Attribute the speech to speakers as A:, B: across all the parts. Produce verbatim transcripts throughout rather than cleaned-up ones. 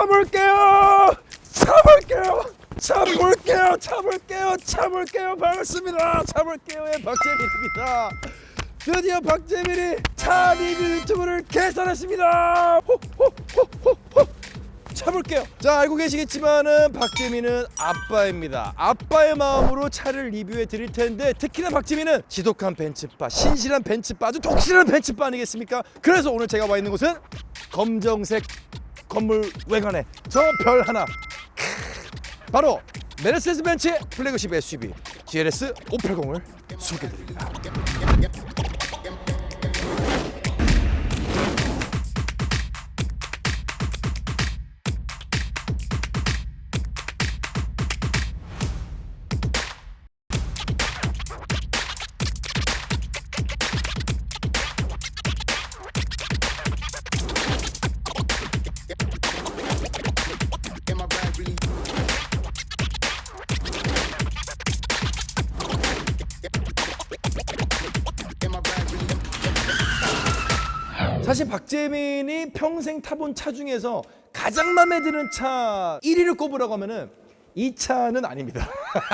A: 참을게요. 참을게요. 참을게요. 참을게요. 참을게요. 반갑습니다. 참을게요의 박재민입니다. 드디어 박재민이 차 리뷰 유튜브를 개설했습니다. 호호호호호. 참을게요. 자, 알고 계시겠지만은 박재민은 아빠입니다. 아빠의 마음으로 차를 리뷰해 드릴 텐데 특히나 박재민은 지독한 벤츠바, 신실한 벤츠바, 아주 독실한 벤츠바 아니겠습니까? 그래서 오늘 제가 와 있는 곳은 검정색 건물 외관에 저 별 하나, 바로 메르세데스 벤츠의 플래그십 에스유브이 지엘에스 오백팔십을 소개드립니다. 사실 박재민이 평생 타본 차 중에서 가장 마음에 드는 차 일 위를 꼽으라고 하면은 이 차는 아닙니다.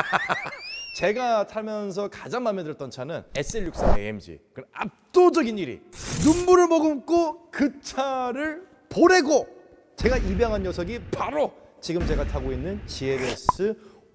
A: 제가 타면서 가장 마음에 들었던 차는 에스엘 육십삼 에이엠지. 그 압도적인 일 위. 눈물을 머금고 그 차를 보내고 제가 입양한 녀석이 바로 지금 제가 타고 있는 지엘에스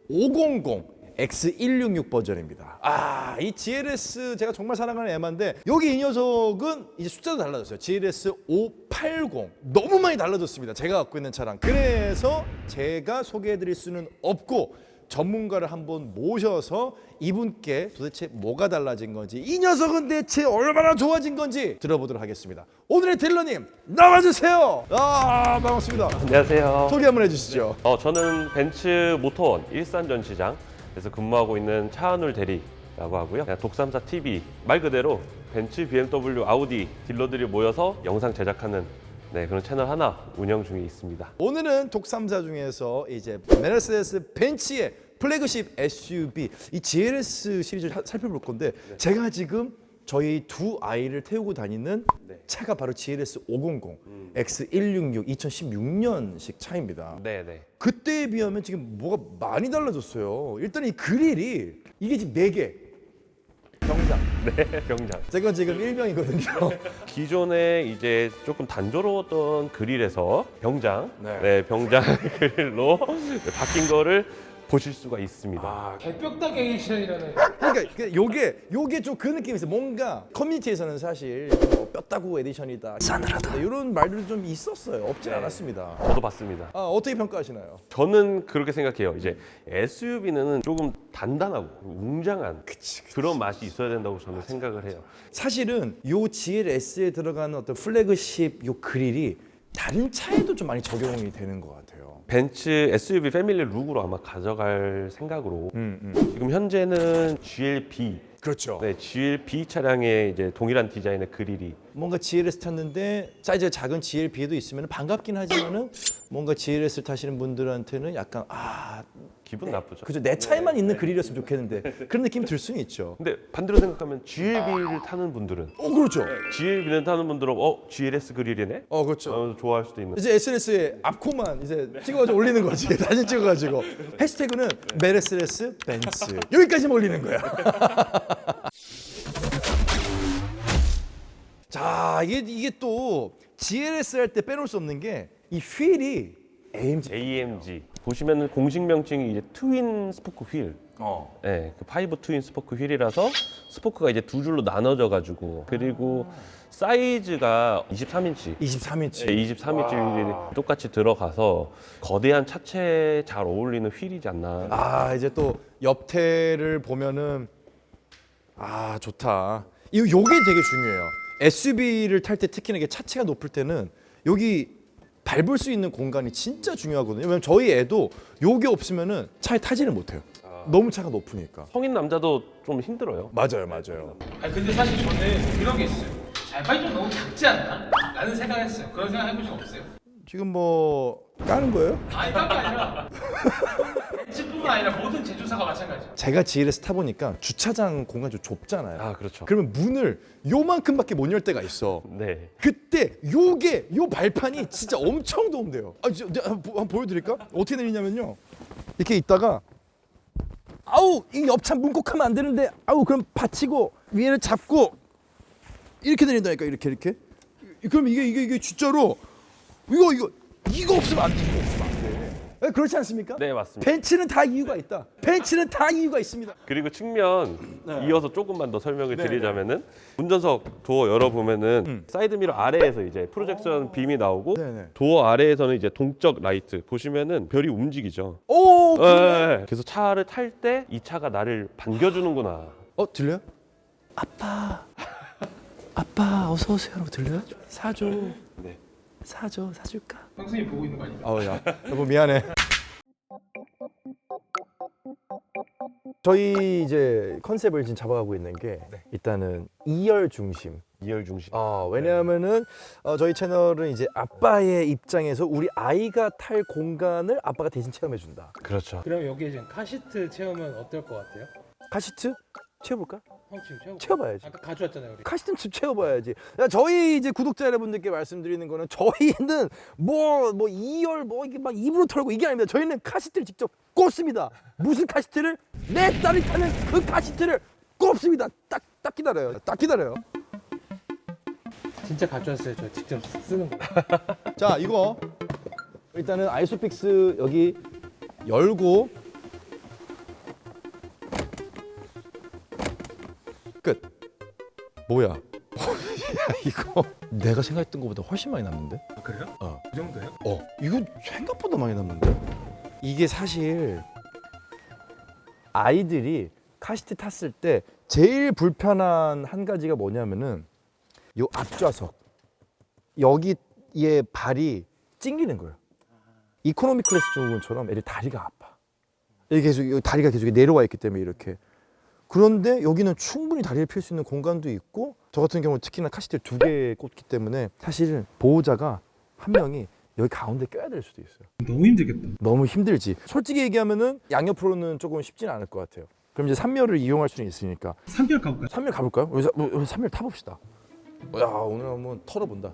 A: 오백십 엑스 백육십육 버전입니다. 아, 이 지엘에스 제가 정말 사랑하는 에마인데 여기 이 녀석은 이제 숫자도 달라졌어요. 지엘에스 오백팔십 너무 많이 달라졌습니다. 제가 갖고 있는 차랑. 그래서 제가 소개해드릴 수는 없고 전문가를 한번 모셔서 이분께 도대체 뭐가 달라진 건지, 이 녀석은 대체 얼마나 좋아진 건지 들어보도록 하겠습니다. 오늘의 딜러님 나와주세요. 아, 반갑습니다.
B: 안녕하세요.
A: 소개 한번 해주시죠.
B: 어, 저는 벤츠 모터원 일산 전시장에서 근무하고 있는 차한울 대리라고 하고요. 그냥 독삼사 티비 말 그대로 벤츠, 비엠더블유, 아우디 딜러들이 모여서 영상 제작하는 네, 그런 채널 하나 운영 중에 있습니다.
A: 오늘은 독삼사 중에서 이제 메르세데스 벤츠의 플래그십 에스유브이 이 지엘에스 시리즈를 사- 살펴볼 건데 네. 제가 지금 저희 두 아이를 태우고 다니는
B: 네.
A: 차가 바로 지엘에스 오백십 엑스 백육십육 이천십육 년식 차입니다.
B: 네, 네.
A: 그때에 비하면 지금 뭐가 많이 달라졌어요. 일단 이 그릴이 이게 지금 네 개. 병장.
B: 네, 병장.
A: 제가 지금 일병이거든요.
B: 기존에 이제 조금 단조로웠던 그릴에서 병장,
A: 네.
B: 네, 병장 그릴로 바뀐 거를 보실 수가 있습니다.
A: 아,
C: 개뼈다귀 에디션이라는.
A: 그러니까 그 요게 요게 좀 그 느낌이 있어요. 뭔가 커뮤니티에서는 사실 뭐 뼈다구 에디션이다, 싸늘하다 이런 말들도 좀 있었어요. 없지
B: 네.
A: 않았습니다.
B: 저도 봤습니다.
A: 아, 어떻게 평가하시나요?
B: 저는 그렇게 생각해요. 이제 에스유브이는 조금 단단하고 웅장한
A: 그치, 그치.
B: 그런 맛이 있어야 된다고 저는 생각을 해요.
A: 사실은 요 지엘에스에 들어가는 어떤 플래그십 요 그릴이 다른 차에도 좀 많이 적용이 되는 것 같아요.
B: 벤츠 에스유브이 패밀리 룩으로 아마 가져갈 생각으로
A: 음, 음.
B: 지금 현재는 지엘비,
A: 그렇죠.
B: 네, 지엘비 차량의 이제 동일한 디자인의 그릴이
A: 뭔가 지엘에스 탔는데 사이즈가 작은 지엘비에도 있으면 반갑긴 하지만은 뭔가 지엘에스를 타시는 분들한테는 약간 아,
B: 기분 나쁘죠.
A: 그죠, 내 차에만 있는 그릴이었으면 좋겠는데 그런 느낌이 들 수는 있죠.
B: 근데 반대로 생각하면 지엘비를 타는 분들은
A: 어, 그렇죠.
B: 지엘비를 타는 분들은 어 지엘에스 그릴이네?
A: 어, 그렇죠.
B: 어, 좋아할 수도 있는.
A: 이제 에스엔에스에 앞코만 이제 찍어가지고 올리는 거지. 사진 찍어가지고 해시태그는 메르세데스 벤츠 여기까지만 올리는 거야. 자, 이게 이게 또 지엘에스 할 때 빼놓을 수 없는 게 이 휠이 에이엠지.
B: 에이엠지 보시면은 공식 명칭이 이제 트윈 스포크 휠.
A: 어.
B: 네, 그 파이브 트윈 스포크 휠이라서 스포크가 이제 두 줄로 나눠져 가지고 그리고 사이즈가 이십삼 인치.
A: 이십삼 인치.
B: 네, 이십삼 인치 휠이 똑같이 들어가서 거대한 차체에 잘 어울리는 휠이지 않나.
A: 아, 이제 또 옆태를 보면은 아, 좋다. 이 요게 되게 중요해요. 에스유브이를 탈 때 특히나 이게 차체가 높을 때는 여기 밟을 수 있는 공간이 진짜 중요하거든요. 왜냐면 저희 애도 요게 없으면은 차에 타지를 못해요. 너무 차가 높으니까.
B: 성인 남자도 좀 힘들어요.
A: 맞아요, 맞아요.
C: 아 근데 사실 저는 그런 게 있어요. 발이 좀 너무 작지 않나? 라는 생각했어요. 그런 생각 해본 적 없어요?
A: 지금 뭐 까는 거예요?
C: 아니 딴게 아니라 벤츠뿐만 뿐 아니라 모든 제조사가 마찬가지야.
A: 제가 지엘에스 타보니까 주차장 공간이 좀 좁잖아요.
B: 아 그렇죠.
A: 그러면 문을 요만큼밖에 못 열 때가 있어.
B: 네.
A: 그때 요게 요 발판이 진짜 엄청 도움돼요. 아, 저, 내가 한번, 한번 보여드릴까? 어떻게 내리냐면요. 이렇게 있다가 아우 이 옆차 문콕하면 안 되는데 아우 그럼 받치고 위에를 잡고 이렇게 내린다니까 이렇게 이렇게. 그럼 이게 이게 이게 진짜로 이거 이거 이거 없으면 안 돼. 이거 없으면 안 돼. 네, 그렇지 않습니까?
B: 네 맞습니다.
A: 벤츠는 다 이유가 있다. 벤츠는 다 이유가 있습니다.
B: 그리고 측면
A: 네.
B: 이어서 조금만 더 설명을
A: 네,
B: 드리자면은 운전석 도어 열어보면은
A: 음.
B: 사이드미러 아래에서 이제 프로젝션 빔이 나오고
A: 네, 네.
B: 도어 아래에서는 이제 동적 라이트 보시면은 별이 움직이죠.
A: 오.
B: 네. 그래서 차를 탈 때 이 차가 나를 반겨주는구나.
A: 어 들려요? 아빠, 아빠 어서 오세요라고 들려요? 사줘,
B: 네.
A: 사줘, 사줄까?
C: 형수님 보고 있는 거 아니야?
A: 아우야, 여보 미안해. 저희 이제 컨셉을 지금 잡아가고 있는 게 일단은 이열 중심.
B: 이열 중심.
A: 어, 왜냐하면은 어, 저희 채널은 이제 아빠의 입장에서 우리 아이가 탈 공간을 아빠가 대신 체험해준다.
B: 그렇죠.
C: 그럼 여기에 지금 카시트 체험은 어떨 것 같아요?
A: 카시트 채워볼까?
C: 형 지금 채워.
A: 채워봐야지.
C: 아까 가져왔잖아요 우리.
A: 카시트는 집 채워봐야지. 야, 저희 이제 구독자 여러분들께 말씀드리는 거는 저희는 뭐뭐 이열 뭐 이게 막 입으로 털고 이게 아닙니다. 저희는 카시트를 직접 꽂습니다. 무슨 카시트를? 내 딸이 타는 그 카시트를 꼽습니다. 딱 딱 기다려요. 딱 기다려요.
C: 진짜 가져왔어요. 저 직접 쓰는 거.
A: 자, 이거 일단은 아이소픽스 여기 열고 끝. 뭐야? 야, 이거 내가 생각했던 것보다 훨씬 많이 남는데?
C: 아, 그래요?
A: 어.
C: 그 정도요?
A: 어, 이거 생각보다 많이 남는데? 이게 사실 아이들이 카시트 탔을 때 제일 불편한 한 가지가 뭐냐면은 요 앞좌석 여기에 발이 찡기는 거예요. 이코노미 클래스 증후군처럼 애들 다리가 아파. 이게 계속 여기 다리가 계속 내려와 있기 때문에 이렇게. 그런데 여기는 충분히 다리를 펼 수 있는 공간도 있고 저 같은 경우는 특히나 카시트를 두 개 꽂기 때문에 사실 보호자가 한 명이 여기 가운데 껴야 될 수도 있어요.
C: 너무 힘들겠다.
A: 너무 힘들지. 솔직히 얘기하면은 양옆으로는 조금 쉽지는 않을 것 같아요. 그럼 이제 삼 열을 이용할 수는 있으니까
C: 삼별 가볼까요?
A: 삼 열 가볼까요? 우리, 사- 우리 삼 열 타봅시다. 야, 오늘 한번 털어본다.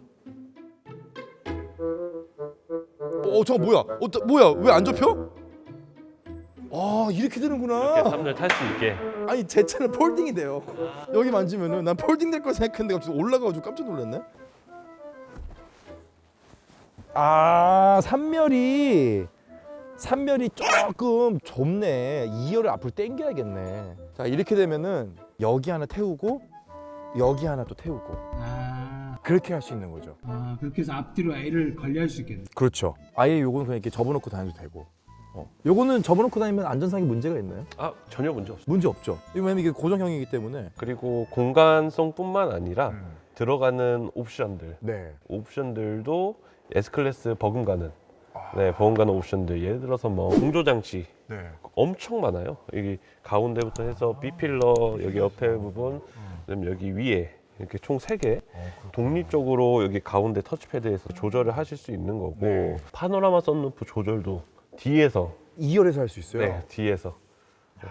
A: 어, 저거 뭐야? 어, 또- 뭐야? 왜 안 접혀? 아, 이렇게 되는구나.
B: 이렇게 삼 열 탈 수 있게.
A: 아니, 제 차는 폴딩이 돼요. 여기 만지면은 난 폴딩 될 거 생각했는데 갑자기 올라가가지고 깜짝 놀랐네. 아, 삼 열이 삼 열이 조금 좁네. 이 열을 앞으로 당겨야겠네. 자, 이렇게 되면은 여기 하나 태우고 여기 하나 또 태우고
C: 아,
A: 그렇게 할 수 있는 거죠.
C: 아 그렇게 해서 앞뒤로 애를 관리할 수 있겠네.
A: 그렇죠. 아예 요거는 그냥 이렇게 접어놓고 다녀도 되고. 어. 요거는 접어놓고 다니면 안전상에 문제가 있나요?
B: 아 전혀 문제 없습니다.
A: 문제 없죠. 왜냐면 이게 고정형이기 때문에.
B: 그리고 공간성뿐만 아니라
A: 음.
B: 들어가는 옵션들,
A: 네.
B: 옵션들도 S 클래스 버금가는
A: 아.
B: 네 버금가는 옵션들. 예를 들어서 뭐 공조 장치
A: 네.
B: 엄청 많아요. 여기 가운데부터 해서 B 필러 여기 옆에 부분, 그다음 여기 위에 이렇게 총 세 개 독립적으로 여기 가운데 터치패드에서 조절을 하실 수 있는 거고
A: 네.
B: 파노라마 썬루프 조절도 뒤에서
A: 이 열에서 할 수 있어요.
B: 네 뒤에서 네.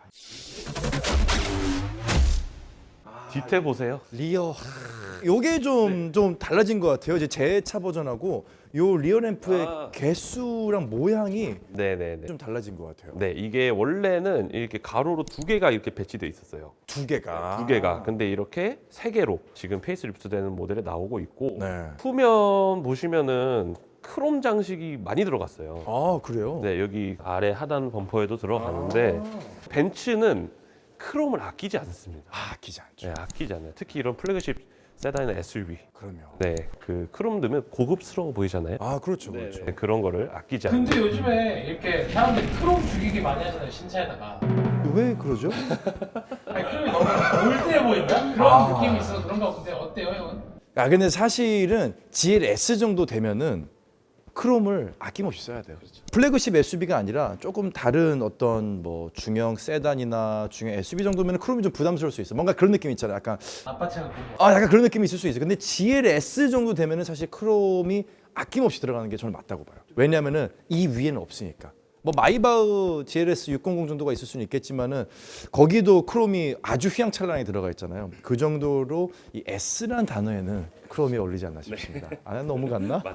B: 뒤태 보세요.
A: 리어. 요게 좀 좀 달라진 것 같아요. 이제 제 차 버전하고 요 리어 램프의
B: 아.
A: 개수랑 모양이
B: 네네네.
A: 좀 달라진 것 같아요.
B: 네 이게 원래는 이렇게 가로로 두 개가 이렇게 배치돼 있었어요.
A: 두 개가.
B: 두 개가. 근데 이렇게 세 개로 지금 페이스리프트 되는 모델에 나오고 있고
A: 네.
B: 후면 보시면은 크롬 장식이 많이 들어갔어요.
A: 아, 그래요?
B: 네 여기 아래 하단 범퍼에도 들어가는데 벤츠는 크롬을 아끼지 않습니다.
A: 아, 아끼지 않죠.
B: 네 아끼지 않아요. 특히 이런 플래그십 세단이나 에스유브이.
A: 그러면.
B: 네 그 크롬 넣으면 고급스러워 보이잖아요.
A: 아, 그렇죠. 그렇죠.
B: 네, 그런 거를 아끼지 않아요.
C: 근데 요즘에 이렇게 사람들이 크롬 죽이기 많이 하잖아요 신차에다가.
A: 왜 그러죠?
C: 아니 크롬이 너무 올드해 보인다? 그런
A: 아.
C: 느낌이 있어서 그런 거 같은데 어때요 형은?
A: 아, 근데 사실은 지엘에스 정도 되면은 크롬을 아낌없이 써야 돼요. 플래그십 에스유브이가 아니라 조금 다른 어떤 뭐 중형 세단이나 중형 에스유브이 정도면 크롬이 좀 부담스러울 수 있어. 뭔가 그런 느낌 있잖아요. 약간
C: 아빠 차가 그런 거.
A: 아, 약간 그런 느낌이 있을 수 있어요. 근데 지엘에스 정도 되면은 사실 크롬이 아낌없이 들어가는 게 저는 맞다고 봐요. 왜냐면은 이 위에는 없으니까. 뭐 마이바흐 지엘에스 육백십 정도가 있을 수는 있겠지만은 거기도 크롬이 아주 휘황찬란하게 들어가 있잖아요. 그 정도로 이 S라는 단어에는 크롬이 어울리지 않나 싶습니다. 아, 너무 갔나?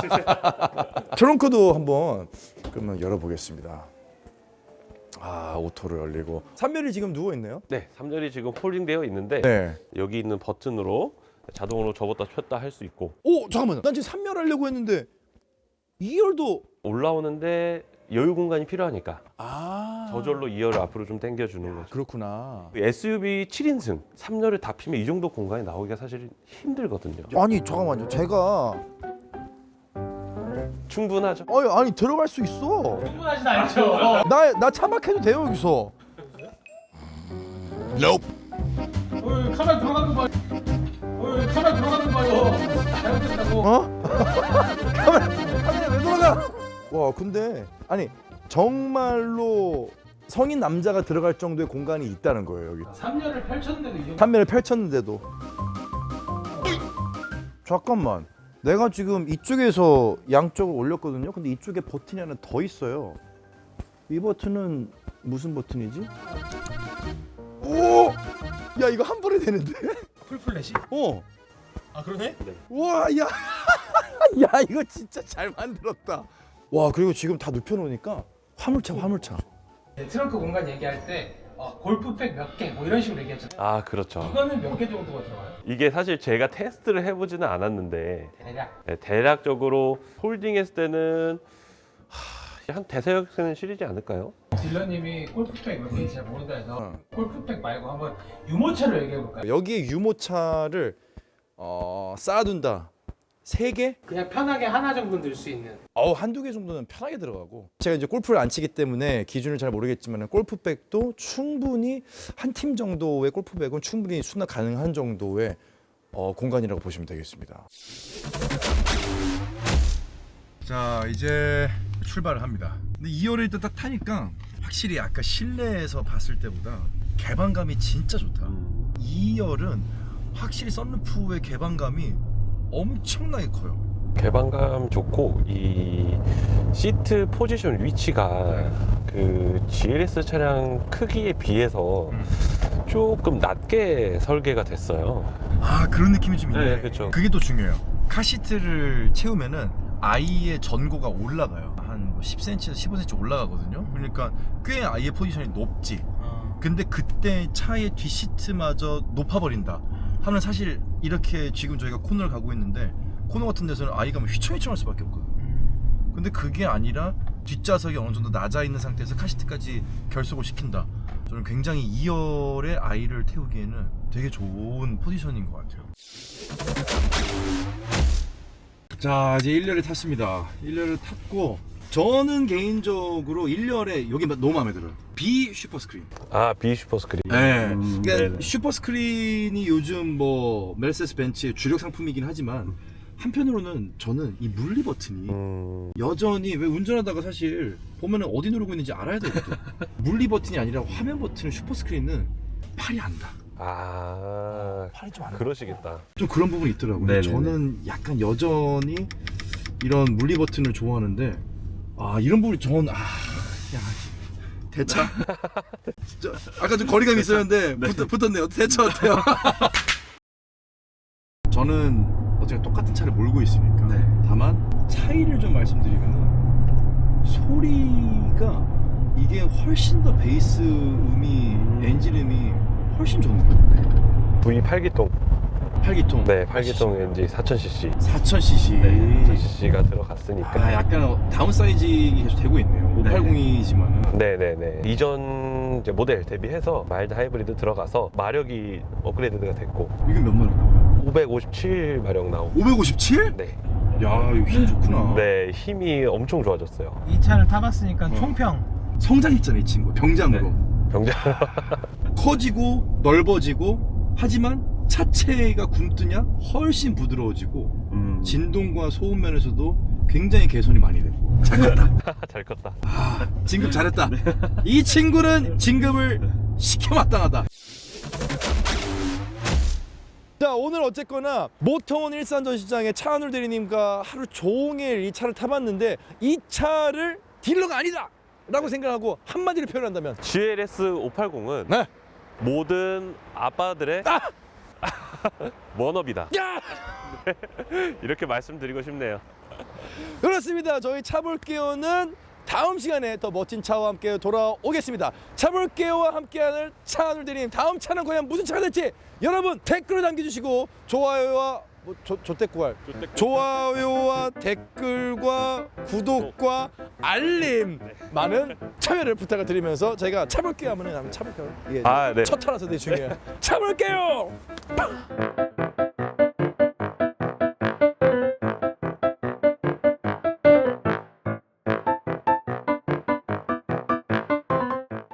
A: 트렁크도 한번 그러면 열어보겠습니다. 아, 오토로 열리고 삼 열이 지금 누워 있네요.
B: 네, 삼 열이 지금 폴딩되어 있는데
A: 네.
B: 여기 있는 버튼으로 자동으로 접었다 폈다 할 수 있고
A: 오, 잠깐만요. 난 지금 삼 열 하려고 했는데 이 열도
B: 올라오는데 여유 공간이 필요하니까
A: 아
B: 저절로 이 열을 앞으로 좀 당겨주는 거죠.
A: 그렇구나.
B: 에스유브이 칠 인승 삼 열을 다 피면 이 정도 공간이 나오기가 사실 힘들거든요.
A: 아니 잠깐만요. 제가
B: 충분하죠.
A: 아니, 아니 들어갈 수 있어.
C: 충분하진 않죠.
A: 나 나 차박해도 돼요 여기서.
C: 어이, 카메라 들어가는 거 봐요. 어이, 카메라 들어가는 거 봐요. 잘못됐다고.
A: 어? 카메라 카메라 왜 돌아가? 와 근데 아니 정말로 성인 남자가 들어갈 정도의 공간이 있다는 거예요 여기.
C: 삼 열을 펼쳤는데도 이 정도.
A: 판매를 펼쳤는데도. 잠깐만. 내가 지금 이쪽에서 양쪽을 올렸거든요. 근데 이쪽에 버튼이 하나 더 있어요. 이 버튼은 무슨 버튼이지? 오! 야 이거 한 번에 되는데?
C: 풀플래시?
A: 어.
C: 아 그러네?
A: 와, 야. 야, 이거 진짜 잘 만들었다. 와, 그리고 지금 다 눕혀 놓으니까 화물차, 화물차.
C: 네, 트렁크 공간 얘기할 때 어, 골프백 몇 개 뭐 이런 식으로 얘기했잖아요.
B: 아 그렇죠.
C: 이거는 몇 개 정도가 들어가요?
B: 이게 사실 제가 테스트를 해보지는 않았는데
C: 대략.
B: 네, 대략적으로 홀딩했을 때는 하, 한 대여섯 개는 실리지 않을까요?
C: 딜러님이 골프백 몇 개인지 잘 모른다 해서
A: 어.
C: 골프백 말고 한번 유모차로 얘기해 볼까요?
A: 여기에 유모차를 어, 쌓아둔다. 세 개?
C: 그냥 편하게 하나 정도 넣을 수 있는.
A: 어, 한두 개 정도는 편하게 들어가고. 제가 이제 골프를 안 치기 때문에 기준을 잘 모르겠지만 골프백도 충분히 한 팀 정도의 골프백은 충분히 수납 가능한 정도의 어, 공간이라고 보시면 되겠습니다. 자, 이제 출발을 합니다. 근데 이 열을 일단 딱 타니까 확실히 아까 실내에서 봤을 때보다 개방감이 진짜 좋다. 이 열은 확실히 썬루프의 개방감이 엄청나게 커요.
B: 개방감 좋고 이 시트 포지션 위치가 그 지엘에스 차량 크기에 비해서 조금 낮게 설계가 됐어요.
A: 아, 그런 느낌이 좀 있네.
B: 네, 그렇죠.
A: 그게 또 중요해요. 카시트를 채우면은 아이의 전고가 올라가요. 한 십 센티미터에서 십오 센티미터 올라가거든요. 그러니까 꽤 아이의 포지션이 높지. 근데 그때 차의 뒷시트마저 높아버린다 하면 사실 이렇게 지금 저희가 코너를 가고 있는데 코너 같은 데서는 아이가 뭐 휘청휘청할 수밖에 없거든. 근데 그게 아니라 뒷좌석이 어느 정도 낮아 있는 상태에서 카시트까지 결속을 시킨다. 저는 굉장히 이 열의 아이를 태우기에는 되게 좋은 포지션인 것 같아요. 자, 이제 일 열에 탔습니다. 일 열을 탔고 저는 개인적으로 일 열에 여기 너무 마음에 들어요. B 슈퍼스크린.
B: 아, B 슈퍼스크린.
A: 네.
B: 음,
A: 그러니까
B: 네네.
A: 슈퍼스크린이 요즘 뭐 메르세데스 벤츠의 주력 상품이긴 하지만 한편으로는 저는 이 물리 버튼이
B: 음,
A: 여전히 왜 운전하다가 사실 보면은 어디 누르고 있는지 알아야 되거든. 물리 버튼이 아니라 화면 버튼 슈퍼스크린은 팔이 안다.
B: 아,
A: 팔이 좀 안 나.
B: 그러시겠다.
A: 좀 그런 부분이 있더라고요.
B: 네네네.
A: 저는 약간 여전히 이런 물리 버튼을 좋아하는데 아 이런 부분이 전 아, 야 대차 진짜 아까 좀 거리감이 있었는데 붙, 붙었네요. 대차 어때요? 저는 어쨌든 똑같은 차를 몰고 있으니까 다만 차이를 좀 말씀드리면 소리가 이게 훨씬 더 베이스 음이 엔진 음이 훨씬 좋은 거예요.
B: 브이 팔 기통.
A: 팔 기통.
B: 네, 팔 기통 엔진 사천 씨씨.
A: 사천 씨씨.
B: 네, 사천 씨씨가 들어갔으니까.
A: 아, 약간 다운사이징이 계속 되고 있네요. 오백팔십이지만은.
B: 네네네. 이전 이제 모델 대비해서 마일드 하이브리드 들어가서 마력이 업그레이드가 됐고
A: 이건 몇 마력 나와요?
B: 오백오십칠 마력 나오고.
A: 오백오십칠?
B: 네.
A: 야, 이거 힘 좋구나.
B: 네, 힘이 엄청 좋아졌어요.
C: 이 차를 타봤으니까
A: 어.
C: 총평.
A: 성장했잖아, 이 친구. 병장으로.
B: 병장.
A: 커지고 넓어지고 하지만 차체가 굼뜨냐 훨씬 부드러워지고
B: 음.
A: 진동과 소음 면에서도 굉장히 개선이 많이 됐고 잘 컸다.
B: 잘 컸다.
A: 아, 진급 잘했다. 이 친구는 진급을 시켜마땅하다. 자, 오늘 어쨌거나 모터원 일산 전시장에 차은울 대리님과 하루 종일 이 차를 타봤는데 이 차를 딜러가 아니다 라고 생각하고 한마디로 표현한다면
B: 지엘에스 오백팔십은
A: 네.
B: 모든 아빠들의
A: 아!
B: 워너비다.
A: 야!
B: 이렇게 말씀드리고 싶네요.
A: 그렇습니다. 저희 차볼게요는 다음 시간에 더 멋진 차와 함께 돌아오겠습니다. 차볼게요와 함께하는 차안울 대리님, 다음 차는 과연 무슨 차가 될지 여러분 댓글을 남겨주시고 좋아요와 뭐 조, 조댓구알 좋아요와 댓글과 구독과 알림 많은 참여를 부탁을 드리면서 저희가 차볼게요 하면은 한번 차볼게요. 이게
B: 아, 네.
A: 첫 타라서 되게 중요해요. 차볼게요.